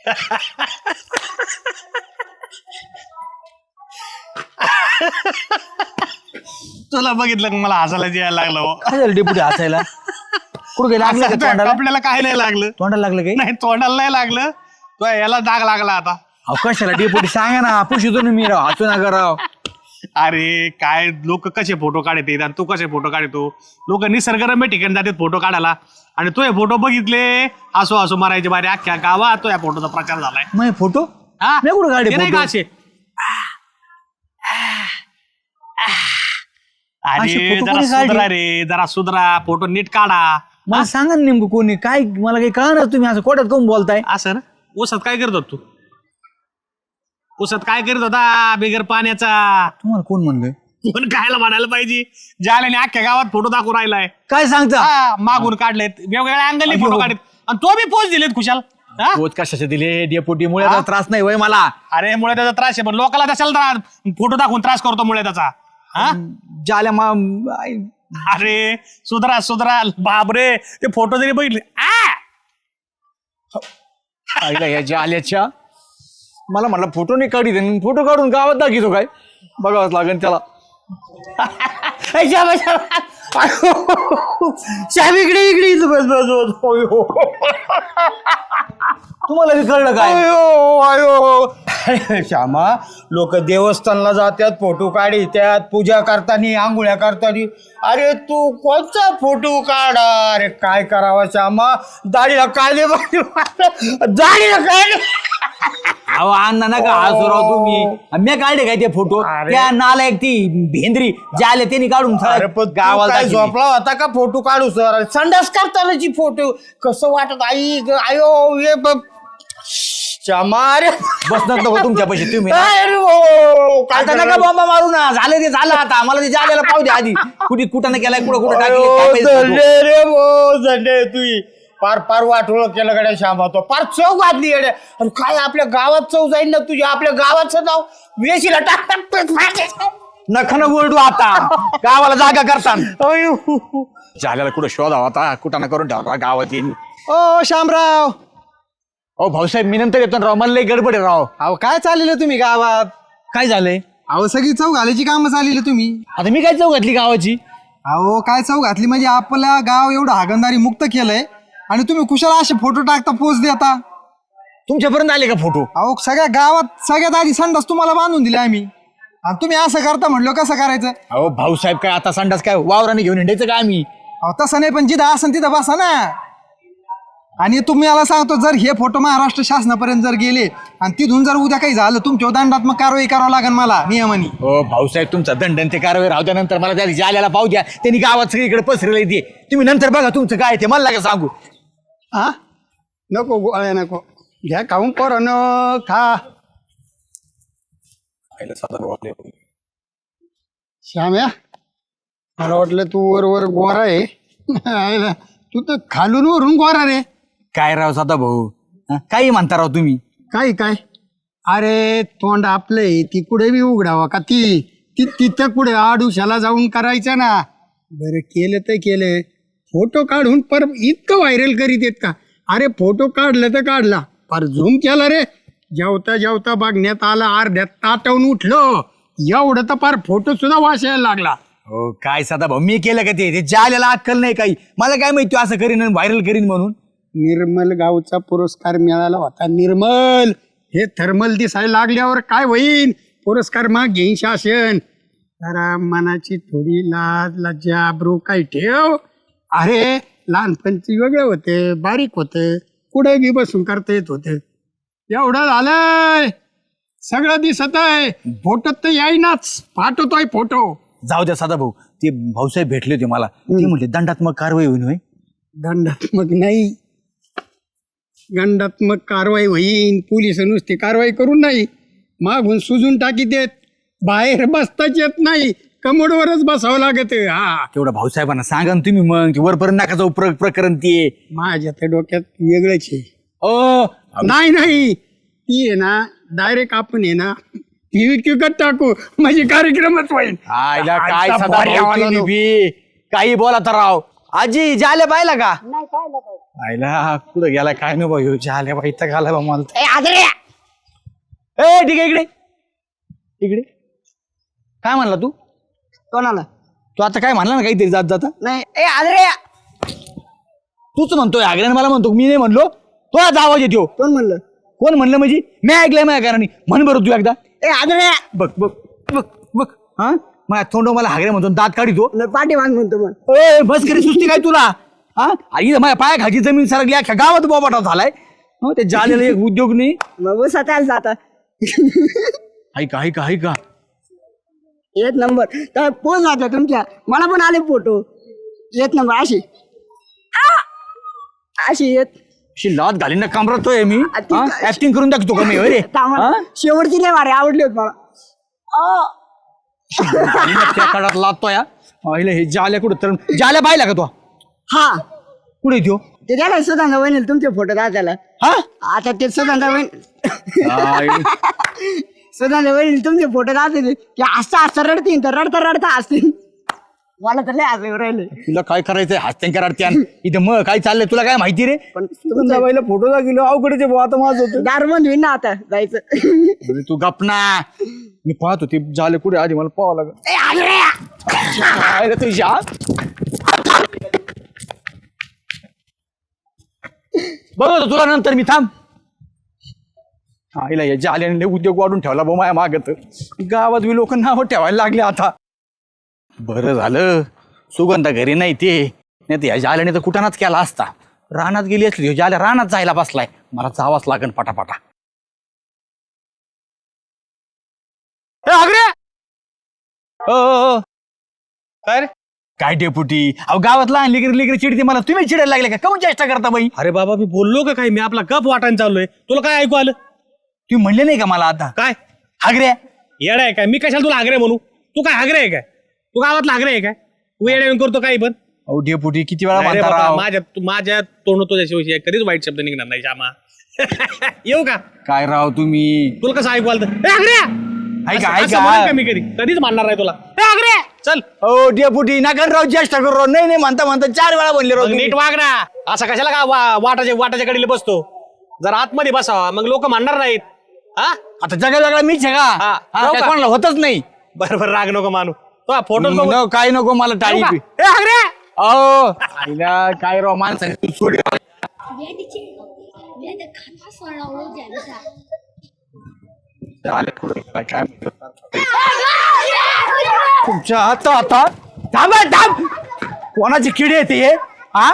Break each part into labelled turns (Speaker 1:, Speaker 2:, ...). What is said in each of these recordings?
Speaker 1: तुला बघितलं का मला हसायला यायला लागलं हो.
Speaker 2: काय झालं डेपुटी हसायला? कुठे लागलं का तोंडाला?
Speaker 1: आपल्याला काय नाही लागलं.
Speaker 2: तोंडाला लागलं काही?
Speaker 1: नाही तोंडाला नाही लागलं. तो याला डाग लागला आता.
Speaker 2: अहो कशाला डेपुटी सांगा ना, पुशितो ना मी राव, हसू नका राव.
Speaker 1: अरे काय लोक कसे फोटो काढते आणि तू कसे फोटो काढतो. लोक निसर्गरम्य ठिकाणी जातात फोटो काढायला आणि तो हे फोटो बघितले हसू हसू मारायचे बारे अख्ख्या गावात तो या फोटोचा प्रचार झालाय.
Speaker 2: मग फोटो
Speaker 1: हा?
Speaker 2: मी कुठं काढले
Speaker 1: ते नाही
Speaker 2: फोटो?
Speaker 1: का असे?
Speaker 2: असे
Speaker 1: अरे
Speaker 2: फोटो
Speaker 1: जरा
Speaker 2: कोणी काढले?
Speaker 1: सुधरा रे, जरा सुधरा, फोटो नीट काढा.
Speaker 2: मला सांगा ना नेमकं कोणी काय, मला काही कळणार. तुम्ही असं कोट्यात कोण बोलताय?
Speaker 1: असं ना. ऊसात काय करत होता तू? ऊसात काय करत होता बिगर पाण्याचा?
Speaker 2: तुम्हाला कोण म्हणलं?
Speaker 1: कोण खायला म्हणायला पाहिजे. ज्याने अख्ख्या गावात फोटो दाखवून राहिलाय.
Speaker 2: काय सांगता?
Speaker 1: हा, मागून काढलेत वेगवेगळ्या अँगलने फोटो काढलेत आणि तो बी पोच दिलेत खुशाल. हा?
Speaker 2: पोच कशाचे दिले? डेपुटी मुळे त्रास नाही होय मला.
Speaker 1: अरे मुळे त्याचा त्रास आहे पण लोकांना त्याच्याला फोटो दाखवून त्रास करतो मुळे त्याचा. हा?
Speaker 2: जाल्या
Speaker 1: अरे सुधरा सुधरा बापरे. ते फोटो जरी बघितले
Speaker 2: आईला या जाल्याच्या मला म्हणलं फोटो नाही काढी दे, फोटो काढून गावात दाखवतो काय? बघावंच लागेल त्याला.
Speaker 1: इकडे इकडे बस बस.
Speaker 2: तुम्हाला बी कळलं काय?
Speaker 3: श्यामा, लोक देवस्थानला जातात, फोटो काढतात, पूजा करताना, आंघोळ्या करताना. अरे तू कोणता फोटो काढा? अरे काय करावा श्यामा, दाढीला काढले दाढीला काढले.
Speaker 2: अहो अण्णा नका हसू राव तुम्ही. मी काढले काय ते फोटो? त्या नालायक ती भेंद्री जाले त्यांनी काढून
Speaker 3: अरे पण
Speaker 2: गावाला
Speaker 3: काय
Speaker 2: दाखवले.
Speaker 3: झोपला होता का फोटो काढू सर? संडास करतानाची फोटो कसं वाटत आई आयो ये श्यामा. अरे
Speaker 2: बसणार नको तुमच्या पैसे तुम्ही.
Speaker 3: अरे हो, काय
Speaker 2: आता नका
Speaker 3: करणार?
Speaker 2: बॉम्बा मारू ना. झालं ते झालं आता. मला ते जाल्याला पाहू दे आधी. कुठं केलाय कुठं टाकले.
Speaker 3: झंडे रे भो, झंडे तुई पार पार वाटोळ केलं गड्या श्यामा. तो पार चव घातली गड्या. आणि काय आपल्या गावात चव जाईल ना तुझ्या? आपल्या गावाचं नाव वेशीला टाकतात.
Speaker 2: नखन बोलू आता गावाला जागा करतात. जाल्याला कुठं शोधावा आता. कुठं करून ठेवा गावात येईल.
Speaker 4: ओ शामराव,
Speaker 2: ओ भाऊसाहेब मी नंतर येतो ना राव. मला लई गडबड आहे राव.
Speaker 4: अहो काय चाललेलं तुम्ही गावात?
Speaker 2: काय झालंय?
Speaker 4: अहो सगळी चव घालायची कामं चाललेली तुम्ही.
Speaker 2: आता मी काय चौक घातली गावाची?
Speaker 4: अहो काय चव घातली म्हणजे आपला गाव एवढं हागंदारी मुक्त केलंय आणि तुम्ही कुशाला असे फोटो टाकता, पोच देता.
Speaker 2: तुमच्यापर्यंत आले का फोटो?
Speaker 4: अहो सगळ्या गावात सगळ्यात आधी संडास तुम्हाला बांधून दिले आम्ही आणि तुम्ही असं करता म्हणलो कसं करायचं?
Speaker 2: अहो भाऊसाहेब काय आता संडास काय वावराने घेऊन हिंडायचं का आम्ही?
Speaker 4: अहो तसं नाही, पण जिथं असन तिथं बसा ना. आणि तुम्ही मला सांगतो, जर हे फोटो महाराष्ट्र शासनापर्यंत जर गेले आणि तिथून जर उद्या काही झालं तुमच्यावर दंडात्मक कारवाई करावं लागेल मला नियमाने.
Speaker 2: हो भाऊसाहेब तुमचा दंडन ते कारवाई राहू द्या. नंतर मला त्या जाल्याला पाहू द्या. त्यांनी गावात सगळीकडे पसरले ते. तुम्ही नंतर बघा तुमचं काय ते मला का सांगू.
Speaker 4: हा नको गोळ्या नको घ्या खाऊन पोरानं खा. श्याम्या, मला वाटलं तू वर गोरा आहे. तू तर खालून वरून गोरा रे.
Speaker 2: काय राव साधा भाऊ, काही म्हणता राव तुम्ही.
Speaker 4: काय काय? अरे तोंड आपलंय ती कुठे बी उघडावा का? ती तिथं कुठे आडुशाला जाऊन करायचं ना. बरं केलं तर केलं, फोटो काढून पर इतकं व्हायरल करीत येत का? अरे फोटो काढलं तर काढला, पर झूम केला रे. जेवता जेवता बघण्यात आलं, अर्ध्यात ताटवून उठलो, एवढं तर पार फोटो सुद्धा वाचायला लागला.
Speaker 2: हो काय साधा भाऊ, मी केलं का ते जाल्याला अक्कल नाही काही. मला काय माहिती असं करीन व्हायरल करीन म्हणून.
Speaker 4: निर्मल गावचा पुरस्कार मिळाला होता. निर्मल हे थर्मल दिसायला लागल्यावर काय होईल? पुरस्कार मग घेईन शासन. जरा मनाची थोडी लाज लज्जा ब्रू काय ठेव. अरे लहानपणची वेगळं होतं, बारीक होतं, कुठे बी बसून करता येत होतं. एवढं झालंय, सगळं दिसत आहे. फोटो तर येईनाच, पाठवतोय फोटो.
Speaker 2: जाऊ द्या साधा भाऊ, ते भाऊसाहेब भेटले होते मला. ते म्हटले दंडात्मक कारवाई होईल. होय
Speaker 4: दंडात्मक नाही, दंडात्मक कारवाई होईन. पोलिस नुसती कारवाई करून नाही, मागून सुजून टाकी देत. बाहेर बसताच येत नाही, कमोडवरच बसावं लागत. हा
Speaker 2: तेवढं भाऊसाहेबांना सांगा ना तुम्ही. मग वरपर्यंत नका जाऊ प्रकरण ते.
Speaker 4: माझ्या तर डोक्यात वेगळंच आहे.
Speaker 2: ओ
Speaker 4: नाही ती आहे ना, डायरेक्ट आपण आहे ना विकत टाकू, म्हणजे कार्यक्रमच होईल.
Speaker 2: आयला काय
Speaker 4: आजचा
Speaker 2: साधा
Speaker 4: भारी
Speaker 2: भाऊ
Speaker 4: आवाज
Speaker 2: तुम्ही
Speaker 4: आलो.
Speaker 2: बी. काही बोला तर राव. आजी जाल्या पाहिला का
Speaker 5: नाही पाहिलं काय
Speaker 2: आईला कुठं गेला काय नाही भाऊ जाल्या बाई तर घाला बा मला तर.
Speaker 5: ए आदरे
Speaker 2: ए ठीक आहे इकडे इकडे काय म्हणला तू
Speaker 5: कोणाला
Speaker 2: तू आता काय म्हणला ना काहीतरी जात जाता
Speaker 5: नाही ए आदरे
Speaker 2: तूच म्हणतोय आग्र्याने मला म्हणतो मी नाही म्हणलो तो आज आवाज येतो
Speaker 5: कोण म्हणलं
Speaker 2: कोण म्हणलं म्हणजे मी ऐकलंय माझ्या कारणी म्हण बरं तू एकदा
Speaker 5: ए आदरे
Speaker 2: बघ बघ बघ बघ हा माझ्या तोंड मला हागरे म्हणतो दात काढितो
Speaker 5: पाठी बांध म्हणतो मग
Speaker 2: ए बस करी सुस्ती काय तुला हा आई माझ्या पाया खाली जमीन सरकली अख्ख्या गावात बोबाटा झालाय हं, ते जालेला एक उद्योग नाही
Speaker 5: मग स्वतःला जाता
Speaker 2: ऐका ऐका ऐका
Speaker 5: एक नंबर तर पोच वाटला तुमच्या मला पण आले फोटो एक नंबर अशी अशी येत
Speaker 2: अशी लात घालीन ना कामरतोय मी
Speaker 5: आ, ती काय-
Speaker 2: ऍक्टिंग करून दाखवतो का मी होय रे
Speaker 5: कामाला. शेवटची लय भारी आवडली होत मला
Speaker 2: घालीन ना त्या काळात लातोय हा. आईला हे जाल्या कुठं तर जाल्या पाहिला का तो
Speaker 5: हा
Speaker 2: कुठे येतो
Speaker 5: ते द्यायला सुधांदा वहिनी तुमचे फोटो दाखवायला
Speaker 2: हा
Speaker 5: आता ते सुधांदा वहिनी
Speaker 2: आई.
Speaker 5: सुधांदा वहिनी तुमचे फोटो दाखवले की असं असं रडतील तर रडता रडता असतील मला तर लय असं राहिले
Speaker 2: तुला काय करायचंय हस्त्यांच्या रडत्यान इथं मग काय चाललंय तुला काय माहिती रे
Speaker 5: पण
Speaker 2: तुमच्या बाईला फोटो दाखवलो अवघडचे भाऊ आता माझं होतं
Speaker 5: दार बंद होईल ना आता जायचं
Speaker 2: अरे तू गपना मी पाहत होती झाले कुठे आधी मला पाहावं लागत
Speaker 5: ए, आदरे!
Speaker 2: रे तुझ्या बघ तुला नंतर मी थांब आईला या जाल्याने उद्योग वाढून ठेवला बो माया मागत गावात बी लोक नावं ठेवायला लागले आता बरं झालं सुगंधा घरी नाही ते नाही तर या जाल्याने तर कुठानाच केला असता रानात गेली असली ह्यो जाल्या रानात जायला बसलाय मला जावाच लागन पटापटा ए, आग्रे! ओ
Speaker 1: काय रे
Speaker 2: काय डेपुटी अहो गावात लहान लेकरी लेकरी चिडते मला तुम्ही चिडायला लागले का कमी चेष्टा करता बाई
Speaker 1: अरे बाबा मी बोललो का काय मी आपला गप वाटायला चाललोय तुला काय ऐकू आलं
Speaker 2: तुम्ही म्हणले नाही का मला आता
Speaker 1: काय
Speaker 2: हागऱ्या
Speaker 1: येडा आहे काय मी कशाला तुला हागरे म्हणू तू काय हागरे आहे काय तू गावातला हागरे आहे काय तू येड्या करतो काही पण
Speaker 2: अहो डेपुटी किती वेळा
Speaker 1: नाही रे
Speaker 2: म्हणता
Speaker 1: बाबा,
Speaker 2: राव?
Speaker 1: माझ्या तोंड तुझ्याशिवाय कधीच वाईट शब्द निघणार नाही श्यामा येऊ का
Speaker 2: काय राव तुम्ही
Speaker 1: तुला कसं ऐकू आलं तर? ए, हागरे!
Speaker 2: ऐका,
Speaker 1: असं- असं
Speaker 2: ऐका.
Speaker 1: म्हणेन का मी कधीच मानणार नाही तुला ए, हागरे! चल
Speaker 2: हो डेपुटी नका राव चेष्टा करू राव नाही नाही म्हणता म्हणता 4 वेळा म्हणले राव
Speaker 1: मग
Speaker 2: तुम्ही.
Speaker 1: नीट वाग ना असं कशाला का वाटाच्या कडेला बसतो जर आतमध्ये बसावा मग लोक मानणार नाहीत हा
Speaker 2: आता जगा मीच आहे का
Speaker 1: हा,
Speaker 2: हा,
Speaker 1: हो
Speaker 2: काय
Speaker 1: का?
Speaker 2: कोणाला होतच नाही
Speaker 1: बरोबर राग नको मानू तो फोटो बघू
Speaker 2: न, काय नको मला टाळी
Speaker 1: येऊ का?
Speaker 2: बी.
Speaker 1: ए, हागरे!
Speaker 2: अहो आईला काय राव माणसाने सोड तुमच्या आता थांब थांब कोणाची किडी येते हे हा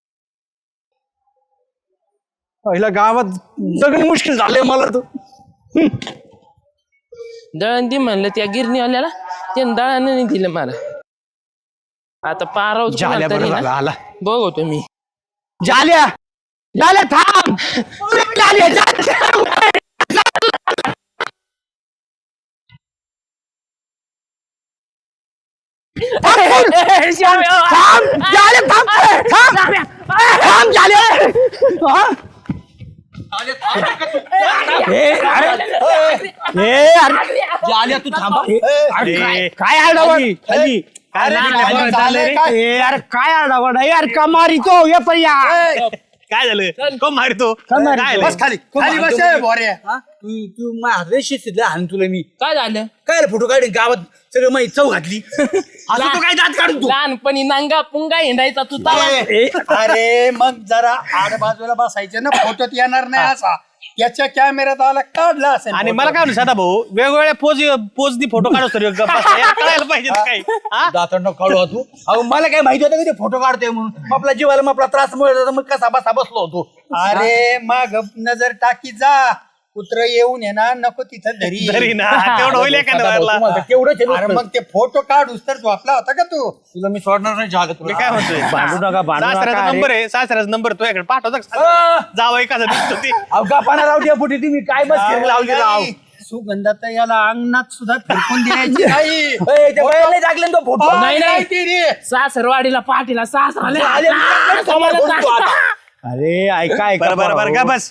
Speaker 2: पहिला गावात सगळं मुश्किल झालंय मला तर
Speaker 6: दळण दे म्हणलं त्या गिरणी आल्याला त्यानं दळण नाही दिलं मला आता पाराव
Speaker 2: झाल्या बरं झालं आला
Speaker 6: बघतो मी
Speaker 2: झाल्या झाल्या थांब झाल्या झाल्या. थांब झाल्या थांब थांब थांब झाल्या हा? ए, अरे झाल्या तू थांबा काय आडावड
Speaker 1: खाली काय नाही झालं रे?
Speaker 2: अरे काय आडावड यार का मारितो ये पर्या
Speaker 1: काय झालं कोण मारतो
Speaker 2: मारतो?
Speaker 1: काय
Speaker 3: बस खाली खाली बस ए, बोरे
Speaker 2: तू माझ्या शिस्तीतला हाण तुला मी
Speaker 6: काय झालं
Speaker 2: काय फोटो काढून गावात सगळं माहिती चव घातली असं तू काय दात काढून तू
Speaker 6: लहानपणी नांगा पुंगा हिंडायचा तू तवा
Speaker 3: अरे मग जरा आड बाजूला बसायचे ना फोटोत येणार नाही असा याच्या कॅमेऱ्यात आला काढला असेल
Speaker 1: आणि
Speaker 3: photo.
Speaker 1: मला काय म्हणतो सदा भाऊ वेगवेगळ्या पोजनी फोटो काढतो तरी कळायला पाहिजे ना काही हा?
Speaker 2: दातांना काढू तू अहो मला काय माहिती होतं की ते फोटो काढतोय म्हणून आपला जीवाला मग आपला त्रास मिळत मग कसा बसा बसलो होतो
Speaker 3: अरे मग नजर टाकी जा कुत्र येऊन ये ना नको तिथं
Speaker 1: तरी
Speaker 3: धरी
Speaker 1: ना तेवढं होईल का
Speaker 2: तुम्हाला तेवढंच आहे
Speaker 3: अरे
Speaker 2: नुसतं.
Speaker 3: मग ते फोटो काढूस तर झोपला होता का तू
Speaker 2: तुला मी सोडणार नाही जागा
Speaker 1: मी
Speaker 2: तुला
Speaker 1: काय म्हणतोय सासऱ्याचा नंबर आहे सासऱ्याचा नंबर तो याकडे पाठवता जावं कसा दिसतो ती
Speaker 2: अवघा पाना राव द्या फुटी तुम्ही काय बस लावली राव
Speaker 3: सुगंधात याला अंगणात सुद्धा फिरकून द्यायची नाही
Speaker 2: ए, त्या बायाला लागले ना तो फोटो
Speaker 6: नाही, नाही.
Speaker 3: ती रे.
Speaker 6: सासरवाडीला पाठीला सासराले
Speaker 2: अरे ऐका ऐका
Speaker 1: बरं बरं बरं का बस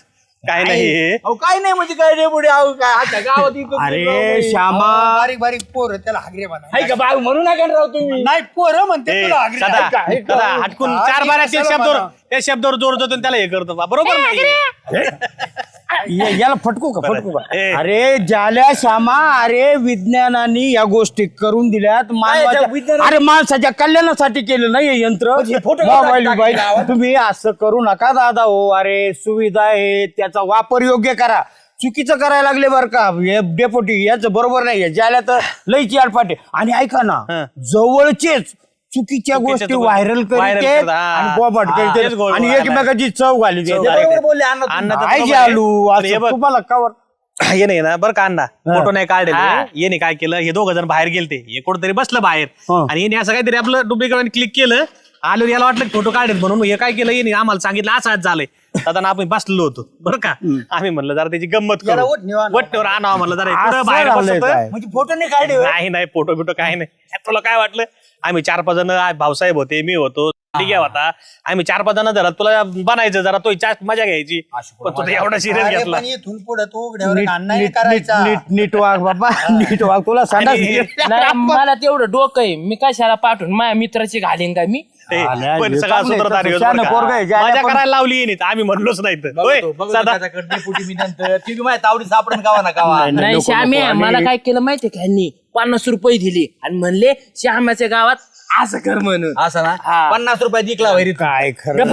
Speaker 1: काय नाही
Speaker 2: अहो काय नाही म्हणजे काय रे पुढे अहो काय आता गावात इकडं
Speaker 3: अरे
Speaker 2: तिकडं
Speaker 3: श्यामा
Speaker 4: बारीक बारीक पोर त्याला हागरे बना
Speaker 2: हाय का बाग म्हणू नका राव तुम्ही
Speaker 3: नाही पोरं म्हणते तुला हागरे.
Speaker 1: सदा हटकून चार बारा त्या शब्दावर जोर देतो आणि त्याला हे करतो बरोबर नाही
Speaker 3: याला फटकू का
Speaker 1: ए.
Speaker 3: अरे ज्याला श्यामा अरे विज्ञानाने या गोष्टी करून दिल्यात अरे माणसाच्या कल्याणासाठी केलं नाही हे यंत्र मोबाईल बिबाईल. तुम्ही असं करू नका दादा हो. अरे सुविधा आहे त्याचा वापर योग्य करा. चुकीचं करायला लागले बरं का हे डेपोटी याच बरोबर नाही ज्याला तर लईची आडपाटे. आणि ऐका ना जवळचेच चुकीच्या गोष्टी व्हायरल
Speaker 1: viral
Speaker 3: करते
Speaker 1: करतात.
Speaker 3: आणि बोबाट
Speaker 1: हा,
Speaker 3: करते
Speaker 1: तेच गोड
Speaker 3: आणि
Speaker 1: बोलायला.
Speaker 3: एकमेकाची चव घाली
Speaker 1: चव
Speaker 3: देते.
Speaker 1: घाली.
Speaker 3: बरोबर बोलले अण्णा
Speaker 1: अण्णा तर
Speaker 3: तुम्ही.
Speaker 1: बरोबर
Speaker 3: काय
Speaker 1: आहे.
Speaker 3: जालू
Speaker 1: पण हे
Speaker 3: असं
Speaker 1: बघ.
Speaker 3: तुम्हाला कवर
Speaker 1: ये नाही ना बरं का अण्णा फोटो नाही काढले येणे काय केलं हे दोघं जण बाहेर गेलते हे कुठंतरी बसलं बाहेर आणि येणे असं काहीतरी आपलं डुप्लिकेट क्लिक केलं आलो याला वाटलं फोटो काढेल म्हणून हे काय केलं येणे आम्हाला सांगितलं असं आज झालंय दादा आपण बसलेलो होतो बरं का आम्ही म्हणलं जरा त्याची गंमत करू वट्टेवर आणावं म्हणलं जरा इकडं बाहेर
Speaker 3: झालंय
Speaker 1: बसत
Speaker 3: काय?
Speaker 2: म्हणजे फोटो नाही काढले होय?
Speaker 1: नाही फोटो बिटो काय नाही तुला काय वाटलं आम्ही 4-5 जण भाऊसाहेब होते मी होतो डिग्या होता आम्ही 4-5 जण जरा तुला बनायचं जरा तो मजा घ्यायची पण तुला एवढा सिरियस घेतला
Speaker 4: इथून पुढे तू उघड्यावर
Speaker 3: नीट-
Speaker 4: अण्णा
Speaker 3: नीट-
Speaker 4: करायचा
Speaker 3: नीट- नीट वाग बाबा नीट वाग तुला सांगा
Speaker 6: नाही मला तेवढं डोकं आहे मी कशाला पाठवून माझ्या मित्राची घालीन का मी
Speaker 1: ते
Speaker 3: आल्या,
Speaker 1: पण
Speaker 3: हे
Speaker 1: सगळा
Speaker 3: चांगलं आहे,
Speaker 1: सूत्रधार ह्योच
Speaker 3: शहाणं
Speaker 1: बरं का.
Speaker 3: पोरगं आहे, ज्याला
Speaker 1: मजा
Speaker 3: पण-
Speaker 1: करायला लावली येईन आम्ही म्हणलोच नाही तर. होय, सदा.
Speaker 2: डेपुटी मी नंतर ती बी माझ्या तावडी सापडून गावा ना गावा
Speaker 6: नाही श्याम्या मला काय केलं माहितीये का ह्यांनी 50 रुपये दिले आणि म्हणले श्यामाच्या गावात असं कर म्हणून
Speaker 2: असं ना 50 रुपये दिकला वैरी
Speaker 3: काय खरं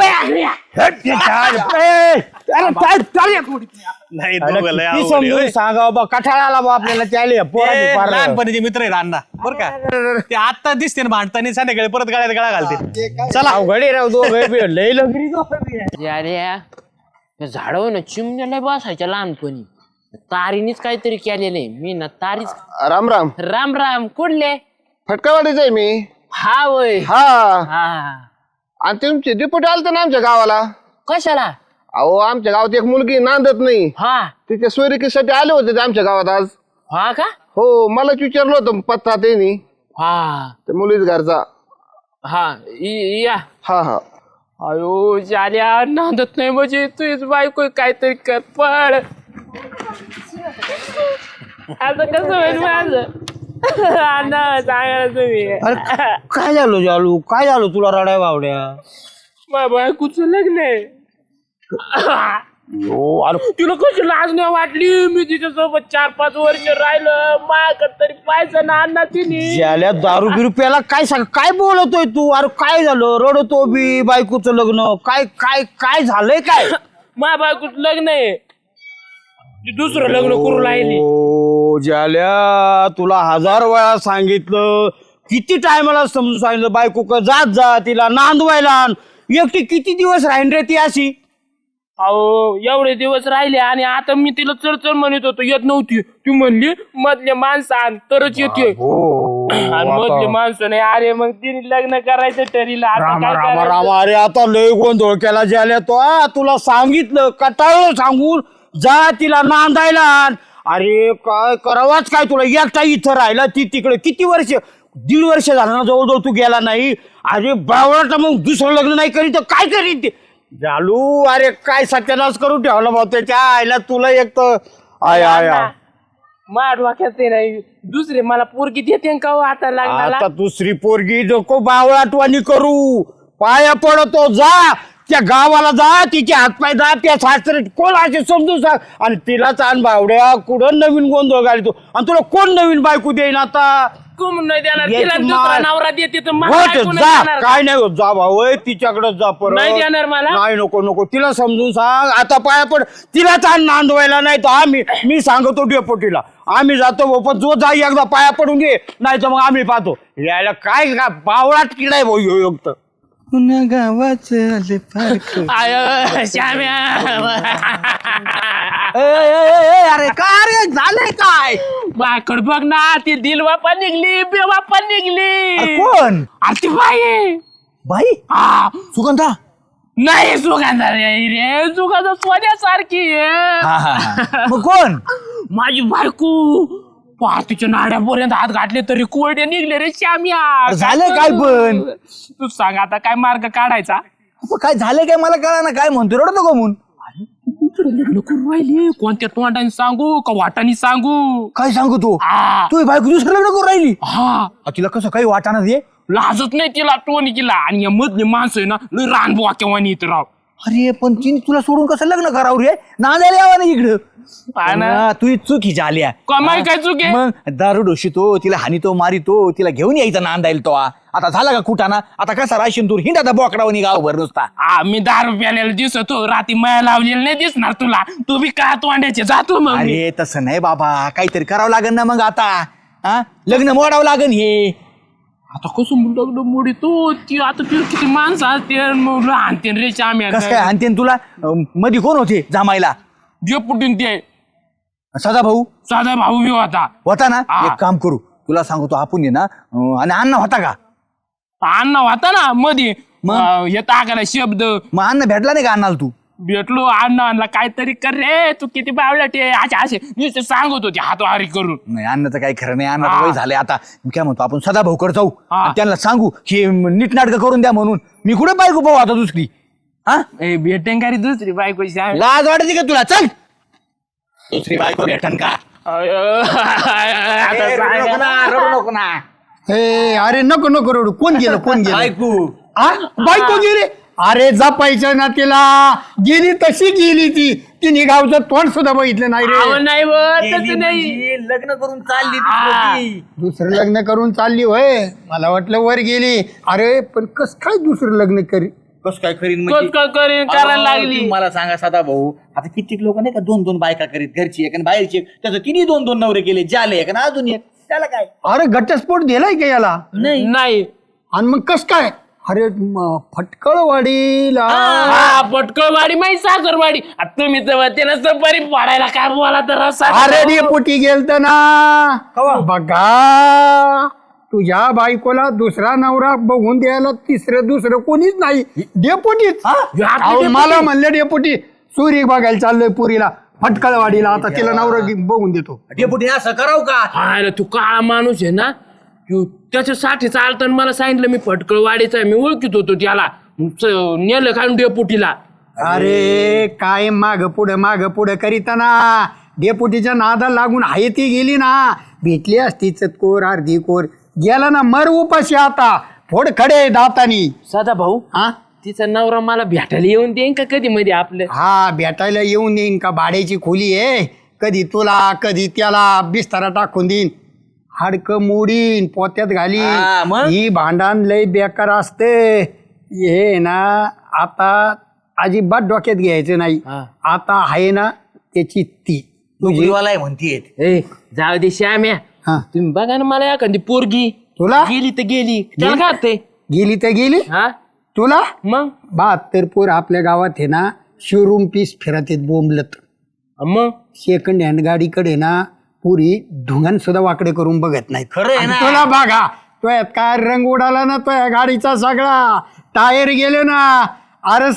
Speaker 1: नाही दोघं लय अवघड आहे,
Speaker 3: समजून
Speaker 1: होय.
Speaker 3: सांगा बाबा कठाळाला बा आपल्याला त्याले
Speaker 1: ते लहानपणीचे मित्र आहेत अण्णा बरं का ते आता दिसते ना भांडताना संध्याकाळी परत गळ्यात गळा घालते चला
Speaker 3: अवघडे राव दोघं लई लगरी
Speaker 6: अरे या झाडावर ना चिमण्याला बसायच्या लहानपणी तारीनीच काहीतरी केलेलं आहे मी ना तारीच
Speaker 7: राम राम
Speaker 6: राम राम कुठले
Speaker 7: फटकावाडीच आहे मी
Speaker 6: हा वय
Speaker 7: हा
Speaker 6: हा
Speaker 7: आणि तुमचे डिप्युटी आलते ना आमच्या गावाला
Speaker 6: कशाला
Speaker 7: अहो आमच्या गावात एक मुलगी नांदत नाही
Speaker 6: हा
Speaker 7: तिच्या सोयरिकीसाठी आले होते ते आमच्या गावात आज
Speaker 6: हा का
Speaker 7: हो मलाच विचारलं होतं पत्ता त्यांनी
Speaker 6: हा
Speaker 7: त्या मुलीच घरचा
Speaker 6: हा या
Speaker 7: हा हा
Speaker 6: अयो जाल्या नांदत नाही म्हणजे तुझीच बायको काहीतरी कर पड आता कसं होईल माझं अण्णा सांगा तुम्ही
Speaker 3: काय झालं जालू काय झालं तुला रडाय बावड्या
Speaker 6: माझ्या बायकोचं लग्न आहे तुला कशी लाज नाही वाटली मी तिच्यासोबत 4-5 वर्ष राहिलं माझ्याकडे तरी पाहिजे ना अण्णा तिने
Speaker 3: ज्याला दारू बिरू प्याला काय सांग काय बोलतोय तू अरे काय झालं रडतो बी बायकोचं लग्न काय काय काय झालंय काय
Speaker 6: माझ्या बायकोचं लग्न आहे ती दुसरं लग्न करू राहिली
Speaker 3: ओ ज्याल्या तुला 1000 वेळा सांगितलं किती टायमाला समजून सांगितलं बायको का जात जा तिला नांदवायला आण. एकटी किती दिवस राहीन रे ती अशी
Speaker 6: अहो एवढे दिवस राहिले आणि आता मी तिला चढ म्हणत होतो येत नव्हती ती म्हणली मधले माणसं आण तरच येते आणि मधले माणसं नाही अरे मग तिने लग्न करायचं ठरलं आता
Speaker 3: रामा
Speaker 6: काय
Speaker 3: रामा
Speaker 6: करायचं?
Speaker 3: रामा अरे आता लय गोंधळ केला ज्याला तो तुला सांगितलं कटाळलं सांगून जा तिला नांदायला आण. अरे काय करावाच काय तुला एकटा इथं राहिला ती तिकडे किती वर्ष 1.5 वर्ष झालं ना जवळजवळ तू गेला नाही अरे बावळाटा मग दुसरं लग्न नाही करीत तर काय करीत ते जालू अरे काय सत्यानाश करून ठेवला भाऊ त्याच्या आईला तुला एक तर आय आय आय.
Speaker 6: माझ्या डोक्यात ते नाही दुसरे मला पोरगी देते का हो आता लग्नाला
Speaker 3: आता दुसरी पोरगी नको बावळाटवाणी करू पाया पडतो जा त्या गावाला जा तिचे हातपाय जा त्या सासरे कोण असे समजून सांग आणि तिला चान बावड्या कुठं नवीन गोंधळ घालतो आणि तुला कोण नवीन बायको देईन आता
Speaker 6: कोण नाही देणार
Speaker 3: येत
Speaker 6: तिला दुसरा
Speaker 3: मार.
Speaker 6: नवरा देते तर मला
Speaker 3: होत
Speaker 6: बायको नाही
Speaker 3: जा
Speaker 6: देणार.
Speaker 3: काय नाही होत जा भाऊ तिच्याकडे जा परत
Speaker 6: नाही देणार मला?
Speaker 3: नाही नको नको तिला समजून सांग आता पाया पड तिला चान नांदवायला नाही तर मी सांगतो डेपोटीला आम्ही जातो भाऊ, पण जो जा एकदा पाया पडून घे नाही तर मग आम्ही पाहतो यायला काय का बावळाट किडाय भाऊ ह्यो एक तर
Speaker 6: आय, श्याम्या
Speaker 3: अरे काय रे झालंय काय
Speaker 6: माझ्याकडे बघ ना ती दिलवापा निघली बेवापा निघली
Speaker 3: कोण
Speaker 6: अरे ती बाई आहे.
Speaker 3: बाई
Speaker 6: हा,
Speaker 3: सुगंधा
Speaker 6: नाही सुगंधा रे सुगंधा सोन्यासारखी आहे
Speaker 3: मग कोण
Speaker 6: माझी बायको तिच्या नाड्यापर्यंत हात घातले तरी कोरडे निघले रे श्याम्या
Speaker 3: झालं काय पण?
Speaker 6: तू सांग आता काय मार्ग काढायचा
Speaker 2: काय झालं काय मला कळा ना काय म्हणतो रडतो का म्हणून
Speaker 6: दुसरं लग्न करून राहिली. कोणत्या तोंडाने सांगू का वाटाने सांगू?
Speaker 2: काय सांगू तू
Speaker 6: हा
Speaker 2: तू बायको दुसरं लग्न करून राहिली
Speaker 6: हा
Speaker 2: तिला कसं काही वाटाणा दे
Speaker 6: लाजत नाही तिला टोनी केला. आणि या मधली माणसं आहे ना लय रानबुवा केव्हा येत राव.
Speaker 2: अरे पण तिने तुला सोडून कसं लग्न करावं रे नांदायला यावं ना इकडं
Speaker 6: हा ना.
Speaker 2: हा, तुझी चुकी झाल्या
Speaker 6: कमाई काय चूक आहे?
Speaker 2: मग दारू डोशितो तिला हानितो मारितो तिला घेऊन यायचा नांदायला तो आता झाला का कुठाना आता कसा राशीन तू हिंडा बोकडावनी गावभर नुसता
Speaker 6: मी 10 रुपयाला दिसतो राती माया लावलेलं नाही दिसणार तुला. तू बी का तोंड्याचे जातो मग मी.
Speaker 2: अरे तसं नाही बाबा काहीतरी करावं लागेल ना मग आता हा लग्न मोडावं लागेल हे
Speaker 6: आता कसं लग्न मोडी तू ती आता ती किती माणसं असते मग आणते रे श्याम्या.
Speaker 2: कसं काय आणते तुला मध्ये कोण होते जामायला
Speaker 6: जे पुटून ते
Speaker 2: सदा भाऊ
Speaker 6: साधा भाऊ बी
Speaker 2: होता ना
Speaker 6: हा.
Speaker 2: एक काम करू तुला सांगतो आपण ये ना आणि अण्णा होता का
Speaker 6: अण्णा होता ना मध्ये हे टाकायला शब्द
Speaker 2: मग अण्णा भेटला नाही का अण्णाला तू
Speaker 6: भेटलो अण्णा आणला काहीतरी कर रे तू किती बावला ते असे नुसते सांगत होते हातवारी करून.
Speaker 2: नाही अण्णाचं काही खरं नाही अण्णा
Speaker 6: हा.
Speaker 2: वय झालंय आता मी काय म्हणतो आपण सदा भाऊकडे जाऊ
Speaker 6: हा.
Speaker 2: आणि त्यांना सांगू की नीट नाटकं करून द्या म्हणून मी कुठे बायको पाहू आता दुसरी हा
Speaker 6: भेटेन का रे दुसरी बायको श्याम.
Speaker 2: लाज वाटते का तुला चल दुसरी बायको भेटन का
Speaker 6: आता
Speaker 2: रडू नको ना, रडू नको ना.
Speaker 4: हे अरे नको नको रडू कोण गेलं कोण गेलं
Speaker 2: बायको
Speaker 4: हा बायको गेली अरे जपायचं ना तिला गेली तशी गेली ती तिने गावचं तोंड सुद्धा बघितलं नाही
Speaker 6: अहो,
Speaker 4: रे
Speaker 6: नाही तसं नाही.
Speaker 2: म्हणजे लग्न करून चालली
Speaker 6: हा.
Speaker 4: दुसरं लग्न करून चालली होय मला वाटलं वर गेली अरे पण कस काय दुसरं लग्न करी
Speaker 2: कस काय करीन
Speaker 6: कस काय करीन करायला लागली.
Speaker 2: तुम्ही मला सांगा सदा भाऊ आता कित्येक लोक नाही का 2-2 बायका करीत घरची एक आणि बाहेरची एक त्याचं तिन्ही 2-2 नवरे केले जाले एक आणि अजून एक त्याला काय
Speaker 4: अरे घटस्फोट दिलाय का याला
Speaker 6: नाही
Speaker 4: आणि मग कस काय अरे फटकळवाडीला
Speaker 6: हा पटकळवाडी माहिती सासरवाडी. आता तुम्ही तर त्याला सफारी पाडायला काय बोला तर
Speaker 4: अरे डेपुटी गेलत ना बघा तुझ्या बायकोला दुसरा नवरा बघून द्यायला दुसरं कोणीच नाही डेपुटीच अहो, मला म्हणले डेपुटी सूर्य बघायला चाललोय पुरीला फटकळवाडीला आता तिला नवरा बघून देतो
Speaker 2: डेपुटी असं करावं का
Speaker 6: अरे तू काळा माणूस आहे ना तू त्याच्यासाठी चालताना मला सांगितलं मी फटकळवाडीचा आहे. मी ओळखीत होतो त्याला नेलं खाऊन डेपुटीला.
Speaker 4: अरे काय माग पुढं करीताना डेपुटीच्या नादा लागून आहे ती गेली ना भेटली असती चतकोर अर्धी कोर गेला ना मर उपाशी आता फोड खडे दातानी
Speaker 6: सदा भाऊ
Speaker 4: हा
Speaker 6: तिचा नवरा मला भेटायला येऊन देईन का कधी मध्ये आपलं.
Speaker 4: हा भेटायला येऊन देईन का भाड्याची खोली आहे कधी तुला कधी त्याला बिस्तारा टाकून देईन हाडकं मोडीन पोत्यात
Speaker 2: हा,
Speaker 4: घालीन
Speaker 2: मग?
Speaker 4: ही भांडण लय बेकार असते हे ना आता अजिबात डोक्यात घ्यायचं नाही
Speaker 6: हा.
Speaker 4: आता आहे ना त्याची ती तुझी
Speaker 2: तुझीवाला म्हणतीये
Speaker 6: ए जाऊ दे श्याम्या
Speaker 4: हा
Speaker 6: तुम्ही बघा ना मला एखादी पोरगी
Speaker 4: तुला
Speaker 6: गेली तर गेली त्याला काय होतंय?
Speaker 4: गेली तर गेली
Speaker 6: हा
Speaker 4: तुला
Speaker 6: मग
Speaker 4: 72 पोर आपल्या गावात आहे ना शोरूम पीस फिरत आहेत बोंबलत
Speaker 6: मग
Speaker 4: सेकंड हँड गाडीकडे ना पुरी ढुंगण सुद्धा वाकडे करून बघत नाहीत
Speaker 2: खरं आहे
Speaker 4: आणि
Speaker 2: ना.
Speaker 4: तुला बघा तो काय रंग उडाला ना तो गाडीचा सगळा टायर गेले ना अरे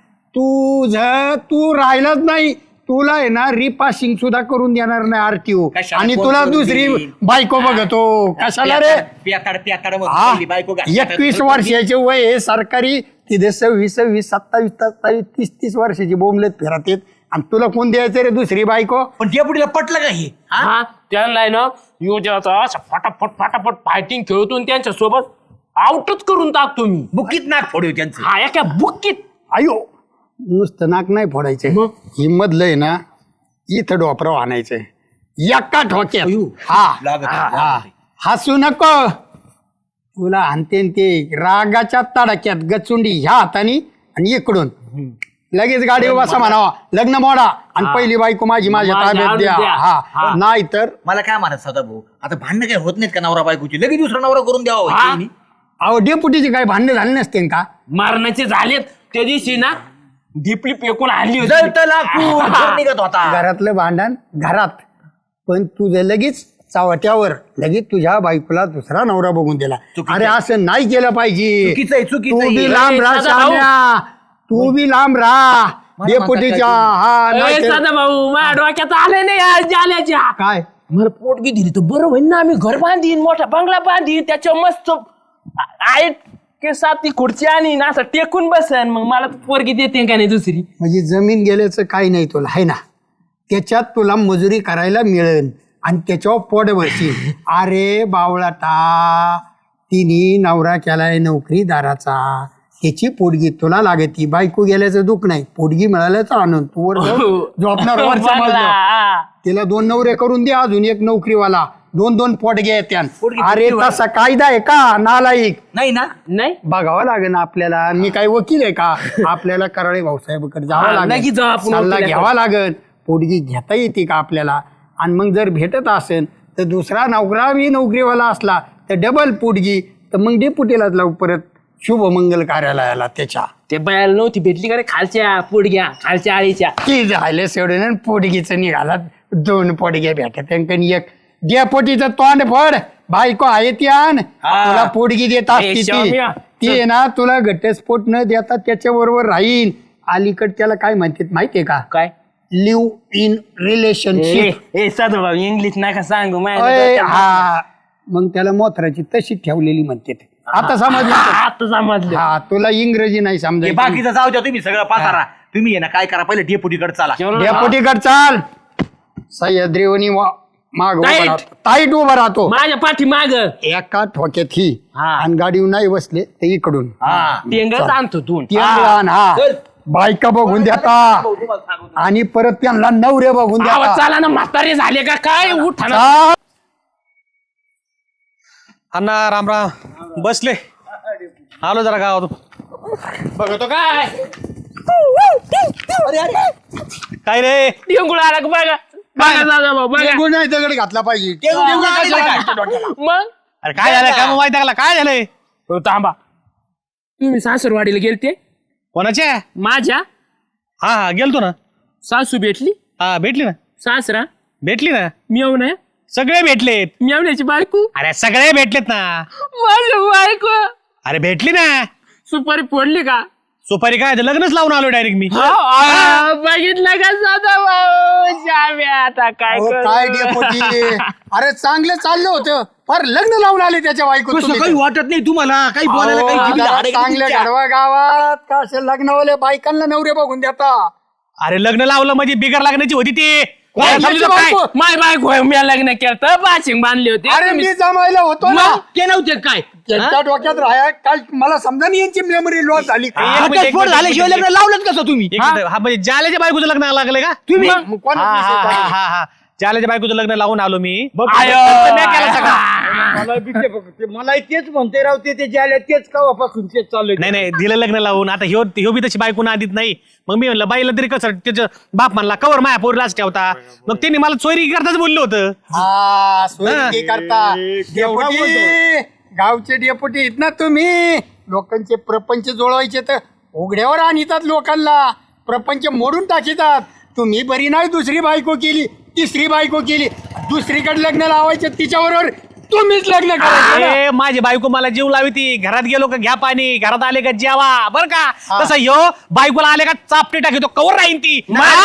Speaker 4: तू राहिलाच नाही तुला आहे ना रिपासिंग सुद्धा करून देणार नाही आरटीओ
Speaker 2: कशाला
Speaker 4: आणि
Speaker 2: फोन
Speaker 4: तुला
Speaker 2: करून
Speaker 4: दुसरी
Speaker 2: देईन?
Speaker 4: बायको बघतो कशाला रे हा 21 वर्षाचे वय आहे सरकारी तिथे 26 27 30 वर्षाची बोंबलेत फिरत येत आणि तुला कोण द्यायचं रे दुसरी बायको
Speaker 2: पण डेपुटीला पटलं का हे
Speaker 6: हा त्यांना आहे ना योजनाचा असं फटाफट फायटिंग खेळतो आणि त्यांच्या सोबत आउटच करून टाकतो मी.
Speaker 2: बुकीत नाक फोडू त्यांचं
Speaker 6: हा एका बुक्कीत
Speaker 4: अयो नुसतं नाक नाही फोडायचं
Speaker 6: मग?
Speaker 4: ही मधलं आहे ना इथं डोपराव आणायचंय एका ठोक्यात
Speaker 2: लागत आहे.
Speaker 4: हा हसू नको तुला आणते न ते रागाच्या तडाक्यात गचुंडी ह्या हाताने आणि इकडून लगेच गाडी बसा म्हणावा लग्न मोडा आणि पहिली बायको माझ्या
Speaker 6: माझ्या
Speaker 4: ताब्यात द्या
Speaker 6: आणून द्या.
Speaker 4: हा नाही तर
Speaker 2: मला काय म्हणत सदा भाऊ आता भांडणं काय होत नाहीत का नवरा बायकोची लगेच दुसरा नवरा करून द्यावा
Speaker 6: हा.
Speaker 2: वहिनी.
Speaker 4: अहो डेपुटीचे काही भांडणं झाले नसते का
Speaker 6: मारण्याचे झालेत त्या दिवशी ना ढिपली पेकून आणली होती.
Speaker 2: जळतं लाकूड घर निघत होता
Speaker 4: घरातलं भांडण घरात पण तुझं लगेच चावट्यावर लगेच तुझ्या बायकोला दुसरा नवरा बघून दिला
Speaker 2: चुकीचं
Speaker 4: अरे असं नाही केलं पाहिजे
Speaker 2: चुकीचं आहे, चुकीचं
Speaker 4: तू
Speaker 2: आहे.
Speaker 4: बी लांब राहा
Speaker 6: साधा भाऊ.
Speaker 4: शाम्या. तू बी लांब राहा डेपुटीच्या हा
Speaker 6: ए,
Speaker 4: नाही तर-
Speaker 6: सदा भाऊ माझ्या डोक्यात आले नाही या जाल्याच्या
Speaker 4: काय
Speaker 6: मला पोटगी दिली तर बरं होईल ना आम्ही घर बांधीन मोठा बंगला बांधीन त्याच्या मस्त आहे केसात ती खुर्ची आणि असं टेकून बसन मग मला पोरगी देते का नाही दुसरी.
Speaker 4: म्हणजे जमीन गेल्याचं काही नाही तुला आहे ना, त्याच्यात तुला मजुरी करायला मिळेल आणि त्याच्यावर पोट भरशील. अरे बावळाटा, तिने नवरा केलाय नोकरीदाराचा, त्याची पोटगी तुला लागती. बायको गेल्याचं दुःख नाही, पोटगी मिळाल्याचा आनंद. तू वर जाऊन झोपणार वरच्या बाजूला. तिला 2 नवरे करून दे, अजून एक नोकरीवाला, 2 पोटगे येत्यान. अरे तसा कायदा आहे का नालायक?
Speaker 2: नाही ना.
Speaker 6: नाही
Speaker 4: बघावं लागेल ना आपल्याला. मी काही वकील आहे का? आपल्याला कराळे भाऊसाहेबकडे जावं
Speaker 6: नक्की
Speaker 4: लागेल,
Speaker 6: जाऊ आपण
Speaker 4: सल्ला
Speaker 6: वकिलाकडे.
Speaker 4: घ्यावा लागेल. पोटगी घेता येते का आपल्याला? आणि मग जर भेटत असेल तर दुसरा नोकरा बी नोकरीवाला असला तर डबल पोटगी, तर मग डेपुटीलाच लावू परत शुभमंगल कार्यालयाला त्याच्या.
Speaker 6: ते बायाला नव्हती भेटली का रे खालच्या पोडग्या खालच्या आळीच्या.
Speaker 4: की झाले सोडून पोटगीचं निघाला. 2 पोटगे भेटत एक डेपुटीचं तोंड फड. बायको आहे ती आण, तुला पोटगी देत असते ती.
Speaker 6: शाम्या.
Speaker 4: ती आहे ना तुला घटस्फोट न देता त्याच्या बरोबर राहील. अलीकड त्याला काय म्हणतात माहितीये का?
Speaker 6: काय
Speaker 4: लिव्ह इन रिलेशनशिप.
Speaker 6: साधू भाऊ इंग्लिश नका सांगू
Speaker 4: हा, मग त्याला मोथराची तशी ठेवलेली म्हणते. आता समजलं?
Speaker 6: आता समजलं.
Speaker 4: हा, तुला इंग्रजी नाही समजायचं.
Speaker 2: बाकीचं जाऊ द्या, तुम्ही सगळं पासारा. तुम्ही आहे ना काय करा, पहिले डेपुटीकडे चला.
Speaker 4: डेपुटीकड चाल. सह्याद्रीवनी माग उभा
Speaker 6: Tight.
Speaker 4: राहतो, टाईट उभा राहतो.
Speaker 6: माझ्या पाठी माग
Speaker 4: एका ठोक्यात ही
Speaker 6: हा.
Speaker 4: आणि गाडीवर नाही बसले ते इकडून
Speaker 6: टेंगच आणतो तू.
Speaker 4: ती आण. हा, बायका बघून देता आणि परत त्यांना नवरे बघून
Speaker 6: आवाज
Speaker 4: देता.
Speaker 6: चाला ना म्हातारे झाले का काय उठा ना.
Speaker 4: चाल.
Speaker 1: अण्णा राम राम. बसले, आलो जरा गावात.
Speaker 6: बघतो काय
Speaker 1: काय रे?
Speaker 6: टेंगुळ आला का बघा बघा दादा भाऊ बघा.
Speaker 4: टेंगूळ नाही दगड घातला पाहिजे.
Speaker 6: मग
Speaker 1: अरे काय झालं? काय मोबाईल टाकला? काय झालंय?
Speaker 6: हो, थांबा. तुम्ही सासरवाडीला गेलते
Speaker 1: कोणाच्या?
Speaker 6: माझ्या
Speaker 1: हा गेलतो ना.
Speaker 6: सासू भेटली
Speaker 1: हा भेटली ना.
Speaker 6: सासरा
Speaker 1: भेटली ना.
Speaker 6: मेव नाही
Speaker 1: सगळे भेटलेत.
Speaker 6: मेवण्याची बायको
Speaker 1: अरे सगळे भेटलेत ना.
Speaker 6: माझी बायको
Speaker 1: अरे भेटली ना.
Speaker 6: सुपारी फोडली का?
Speaker 1: सुपारी काय? लग्नच लावून आलो डायरेक्ट मी.
Speaker 6: बघितलं का साधा भाऊ श्याम्या आता काय
Speaker 4: अहो,
Speaker 6: करू?
Speaker 4: काय डेपुटी, अरे चांगलं चाललं होतं, फार लग्न लावून आले त्याच्या बायको.
Speaker 2: कसं काही वाटत नाही तुम्हाला? काही बोलायला काही जिभेला हाड आहे का
Speaker 4: चांगलं
Speaker 2: तुमच्या?
Speaker 4: गाढवा गावात का असे लग्नवाले बायकांना नवरे बघून देता.
Speaker 1: अरे लग्न लावलं म्हणजे बिगर लागण्याची होती ती.
Speaker 6: काय
Speaker 1: समजलं
Speaker 6: समजलं
Speaker 1: काय?
Speaker 6: बायको? माय बायको आहे, मी लग्न केलं तर बाशिंग बांधली होती.
Speaker 4: अरे मी जमायला होतो ना.
Speaker 6: मग ते नव्हते काय
Speaker 4: त्यांच्या डोक्यात राहा काल मला समजा नाही यांची मेमरी लॉस झाली.
Speaker 1: एक मिनिट, एक
Speaker 2: घटस्फोट
Speaker 1: मिनिट,
Speaker 2: झाल्याशिवाय
Speaker 1: एक
Speaker 2: लग्न लावलं कसं तुम्ही?
Speaker 1: एक मिनिट. हा म्हणजे जाल्याच्या बायकोचं लग्न लागलंय का?
Speaker 4: तुम्ही
Speaker 1: हा,
Speaker 4: मग कोणाचा
Speaker 1: हा,
Speaker 4: विषय
Speaker 1: हा,
Speaker 4: चालू?
Speaker 1: हा, हा. जाल्याच्या बायकोचं लग्न लावून आलो मी.
Speaker 6: आयो.
Speaker 1: मी केलं सगळं.
Speaker 3: मला तेच म्हणते राव, ते जे आले तेच कवापासून तेच चालू.
Speaker 1: नाही नाही दिलं लग्न लावून. आता ह्यो बी तशी बायको आधीत नाही. मग मी म्हणलं बाईला तरी कसं त्याचं बाप म्हणला कवर माया पोरीलाच ठेवता. मग त्यांनी मला चोरी करताच बोललो होतं.
Speaker 4: हा, सोयी करता. डेपुटी, गावचे डेपुटी आहेत ना तुम्ही. लोकांचे प्रपंच जोडवायचे तर उघड्यावर आणतात, लोकांना प्रपंच मोडून टाकीतात. तुम्ही बरी नाही दुसरी बायको केली, तिसरी बायको केली, दुसरीकडे लग्न लावायचे तिच्याबरोबर तुम्हीच लग्न करायचं ना.
Speaker 1: ए, माझी बायको मला जीव लावी ती. घरात गेलो का घ्या पाणी, घरात आले का जेवा, बर का? तसं ह्यो बायकोला आले का चापटे टाकतो, कवर राहीन ती.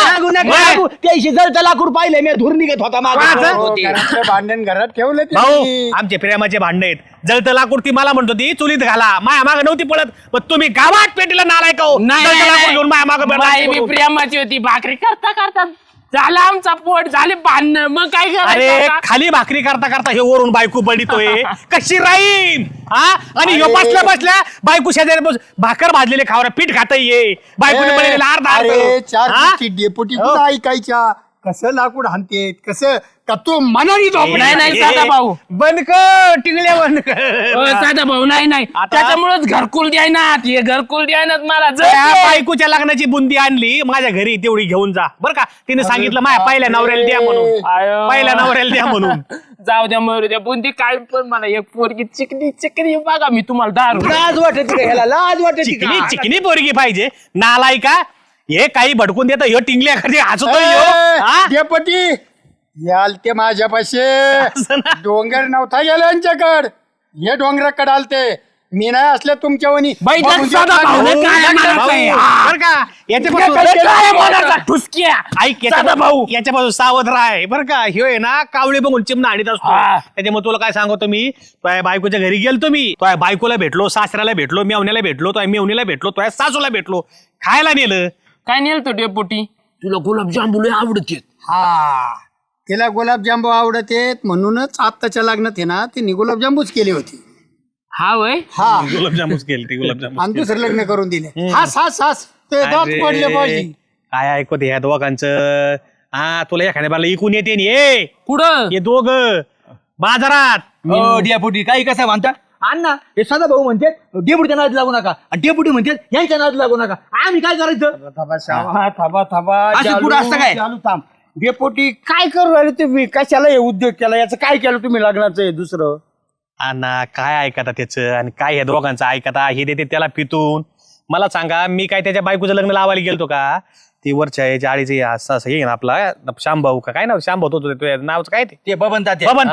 Speaker 2: त्याशी जळतं लाकूड पाहिलं मी, धूर निघत होता माझा.
Speaker 4: हो, घरातलं भांडण घरात ठेवलं
Speaker 1: भाऊ
Speaker 4: तुम्ही.
Speaker 1: आमचे प्रेमाचे भांडण आहेत. जळतं लाकूड ती मला म्हणतो ती चुलीत घाला, माया माग नव्हती पळत. पण तुम्ही गावात पेटीला नालाय का?
Speaker 6: नाही,
Speaker 1: जळतं
Speaker 6: नाही,
Speaker 1: लाकूड घेऊन माया माग
Speaker 6: बाई बी प्रेमाची होती. भाकरी करता करता झाला आमचा पोट, झाले भांडण. मग काय
Speaker 1: अरे
Speaker 6: करायचं?
Speaker 1: खाली भाकरी करता करता हे वरून बायको बडितोय. कशी राहीन? हा, आणि ह्यो बसल्या बसल्या बायको शेजारी भाकर भाजलेले खावर पीठ खाता ये बायकोने बनवलेला अर्धा
Speaker 4: अरे चार
Speaker 1: हा?
Speaker 4: गोष्टी डेपुटी कुठं ऐकायच्या. कसं लाकूड हाणते, कसं का तू मनाने झोप
Speaker 6: नाही नाही साधा भाऊ,
Speaker 1: बंद कर टिंगल्या बंद कर.
Speaker 6: साधा भाऊ नाही नाही. त्याच्यामुळेच घरकुल द्यायनात, हे घरकुल द्यायनात मला.
Speaker 1: त्या बायकोच्या लग्नाची बुंदी आणली माझ्या घरी, तेवढी घेऊन जा बर का? तिने सांगितलं माझ्या पहिल्या नवऱ्याला द्या म्हणून.
Speaker 6: आयो.
Speaker 1: पहिल्या नवऱ्याला द्या म्हणून.
Speaker 6: जाऊ द्या मरू द्या बुंदी काय, पण मला एक पोरगी चिकनी चिकनी बघा, मी तुम्हाला दारू
Speaker 2: लाज वाटत का ह्याला? लाज वाटत
Speaker 1: चिकनी चिकनी पोरगी पाहिजे. नालाय का हे काही भडकून देत ह्यो टिंगल्या कधी हसतोय ह्यो. हा?
Speaker 4: डेपुटी याल ते माझ्यापाशी डोंगर नव्हता गेला यांच्याकड, हे डोंगराकडे आलते. मी नाही असल्या तुमच्या वनी
Speaker 6: बैठक साधा भाऊ रे, काय म्हणायचं आहे?
Speaker 1: बरं का याच्यापासून
Speaker 6: काय म्हणायचं? ठुसक्या
Speaker 1: ऐक
Speaker 6: साधा भाऊ.
Speaker 1: याच्यापासून सावध राह बरं का ह्यो आहे ना कावळे बघून चिमणा आणीत असतो
Speaker 6: हा.
Speaker 1: त्याच्यामुळे तुला काय सांगतो मी तुझ्या बायकोच्या घरी गेलतो मी तुझ्या बायकोला भेटलो सासऱ्याला भेटलो मेवण्याला भेटलो तुझ्या मेवणीला भेटलो तुझ्या सासूला भेटलो खायला नेलं
Speaker 6: काय नेल तो डेपुटी तुला गुलाबजाम लय आवडते
Speaker 4: हा तिला गुलाबजांबू आवडत आहेत म्हणूनच आत्ताच्या लग्नात आहे ना तिने गुलाबजांबूच केली होती.
Speaker 6: हा वय
Speaker 4: हा
Speaker 1: गुलाबजामुस केली ती गुलाबजामुन
Speaker 4: आणि दुसरं लग्न करून दिले. हास ते दात पडले पाहिजे.
Speaker 1: काय ऐकत ह्या दोघांचं हा तुला एखाद्या बाला इकून येते नि ए
Speaker 6: कुठं
Speaker 1: हे दोघ बाजारात
Speaker 2: डेपुटी काही कसं म्हणता अण्णा हे सदा भाऊ म्हणते डेपुटीच्या नाद लागू नका आणि डेपुटी म्हणते यांच्या नाद लागू नका आम्ही काय करायचं
Speaker 3: थांबा
Speaker 2: असं कुठं असतं काय?
Speaker 3: चालू थांब डेपोटी काय करू राहिले तुम्ही कशाला हे उद्योग केला याचं काय केलं तुम्ही लग्नाचं हे दुसरं
Speaker 1: अण्णा काय ऐकता त्याचं आणि काय ह्या दोघांचं ऐकता हे देते त्याला पितून मला सांगा मी काय त्याच्या बायकोचं लग्न लावायला गेलतो का ती वरच्या याच्या आळीचे असं असं हे ना आपला शांभाऊ का काय ना शांभाऊ होतो तुझ्या नावचं काय ते
Speaker 2: बबन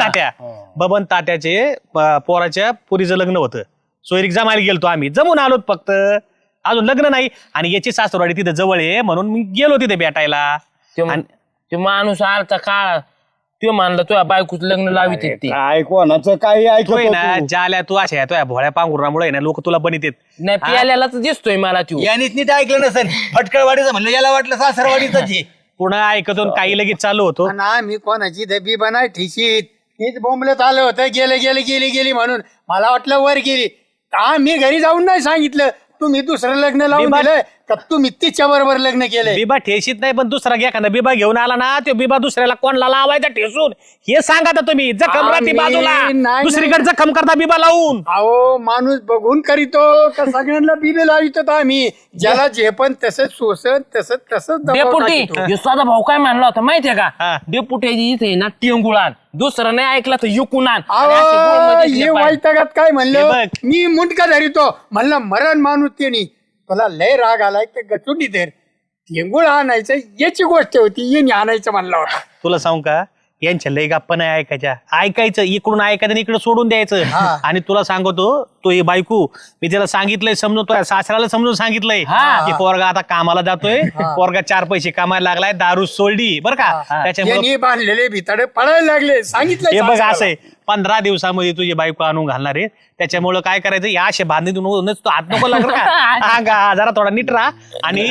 Speaker 1: बबन तात्याचे पोराच्या पुरीचं लग्न होतं सोयरीक जमायला गेलतो आम्ही जमून आलोत फक्त अजून लग्न नाही आणि याची सासरवाडी तिथं जवळ आहे म्हणून मी गेलो तिथे भेटायला
Speaker 6: ते माणूस आलता काळ तो मानला तुझ्या बायकोच लग्न लावित ते
Speaker 3: काय कोणाचं काही
Speaker 1: तोय
Speaker 3: ऐकतो
Speaker 1: ना ज्याला तू अशा तुझ्या भोळ्या पांघुरामुळे ना लोक तुला बनित
Speaker 6: नाही प्याल्यालाच दिसतोय मला तू
Speaker 2: यानेच नीट ऐकलं नसेल फटकळवाडीचं म्हणलं याला वाटलं सासरवाडीच
Speaker 1: पुन्हा ऐकतो आणि काही लगेच चालू होतो
Speaker 4: ना मी कोणाची दबी बनाय ठिशीत हेच बोंबलत आलं होतं गेली म्हणून मला वाटलं वर गेली मी घरी जाऊन नाही सांगितलं तुम्ही दुसरं लग्न लावून दिलं का तुम्ही तिच्या बरोबर लग्न केलंय.
Speaker 1: बिबा ठेशीत नाही पण दुसरा घ्या एखादा बिबा घेऊन आला ना तो बिबा दुसऱ्याला कोणला लावायचा ठेसून हे सांगा तर तुम्ही जखम राहते
Speaker 4: आम्ही
Speaker 1: बाजूला
Speaker 4: नाही-
Speaker 1: दुसरीकडे जखम करता बिबा लावून
Speaker 4: अहो माणूस बघून करीतो का सगळ्यांना बिबे लावितो आम्ही ज्याला जे पण तसंच सोसन तसंच
Speaker 6: डेपुटी ह्यो साधा भाऊ काय म्हणला होता माहितीये का
Speaker 1: हा.
Speaker 6: डेपुटी इथे ना टेंगुळान दुसरं नाही ऐकला तर युकुन आण आणि असे गोळमध्ये दिसले
Speaker 4: हे
Speaker 6: पाहिजे.
Speaker 4: वैतागात काय
Speaker 1: हे
Speaker 4: म्हणलं
Speaker 1: बघ.
Speaker 4: मी मुंडका धरितो म्हणलं मरण माणूस त्यांनी तुला लय राग आलाय ते गचुंडी धर ठेंगुळ आणायचं याची गोष्ट होती येणे आणायचं म्हणलं होता.
Speaker 1: तुला सांगू का यांच्या लय गप्पा नाही ऐकायचं इकडून ऐकायचं आणि इकडे सोडून द्यायचं आणि तुला सांगतो तो ही बायको मी त्याला सांगितलंय समजतोय सासऱ्याला समजून सांगितलंय की पोरगा आता कामाला जातोय पोरगा 4 पैसे कामायला लागलाय दारू सोडली बरं का त्याच्यामुळे
Speaker 4: यांनी बांधलेले भिताडे पडायला लागले सांगितलं
Speaker 1: हे बघ असं आहे 15 दिवसामध्ये तुझी बायको आणून घालणार आहे त्याच्यामुळे काय करायचं या अशा बांधणीतून तो हात नको लागला का जरा थोडा नीट राहा आणि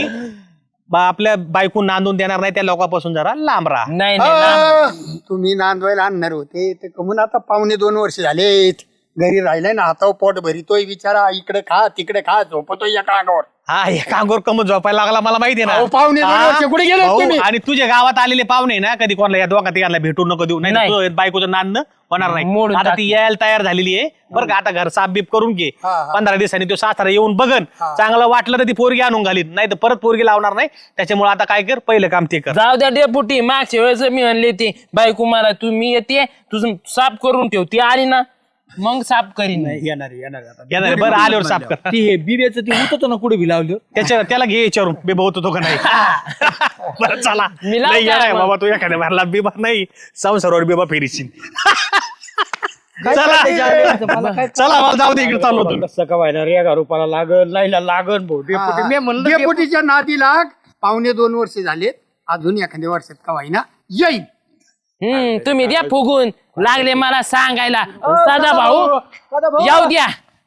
Speaker 1: आपल्या बायको नांदून देणार नाही त्या लोकांपासून जरा लांब राहा
Speaker 6: नाही नाही
Speaker 4: तुम्ही नांदवायला आणणार होते ते कमून आता 1.5-2 वर्ष झालेत घरी राहिलाय ना हातावर पोट भरितोय बिचारा इकडे खा तिकडे खा झोपतोय एका अंगावर
Speaker 1: हा हे कांगोर कमून झोपायला लागला मला माहिती आहे
Speaker 4: अहो,
Speaker 1: ना
Speaker 4: पाहुणे दोन
Speaker 1: हा,
Speaker 4: वर्ष कुठे गेले
Speaker 1: भाऊ,
Speaker 4: तुम्ही?
Speaker 1: आणि तुझ्या गावात आलेले पाहुणे ना कधी कोणाला या दोघा तिघांना भेटून नको देऊ नाही
Speaker 6: नाही.
Speaker 1: तुझं बायकोचं नांदणं होणार नाही
Speaker 6: मोडून
Speaker 1: आता
Speaker 6: टाक.
Speaker 1: ती यायला तयार झालेली आहे बरं का आता घर साफ बीप करून घे 15 दिवसांनी तो सासरा येऊन बघन चांगलं वाटलं तर ती पोरगी आणून घालीन नाही तर परत पोरगी लावणार नाही त्याच्यामुळे आता काय कर पहिलं काम ते कर
Speaker 6: जाऊ द्या डेपुटी मागच्या वेळेस मी म्हणले ते बायको मला तुम्ही येते तुझं साफ करून ठेव ती आली ना मग साफ करीन
Speaker 1: येणार बरं आल्यावर साफ कर
Speaker 2: ते बिब्याचं ते होतं ना कुठे बी लावलं
Speaker 1: त्याला घे विचारून बिबा होतो तो का नाही बरं चला
Speaker 6: मी लावतो
Speaker 1: नाही येणार
Speaker 6: मग.
Speaker 1: बाबा तू एखाद्या भरला बिबा नाही संसारावर बिबा फेरीशील चला चला मला जाऊ दे इकडे चालू होतो
Speaker 3: कसं का व्हायला रे 1,000 रुपयाला लागल लाईला लागन भाऊ डेपुटी मी म्हणलं
Speaker 4: डेपुटीच्या नादी लाग 1.5-2 वर्ष झालेत अजून एखाद्या वर्षात का वाईना येईल
Speaker 6: तुम्ही द्या फुगून लागले मला सांगायला साधा भाऊ येऊ द्या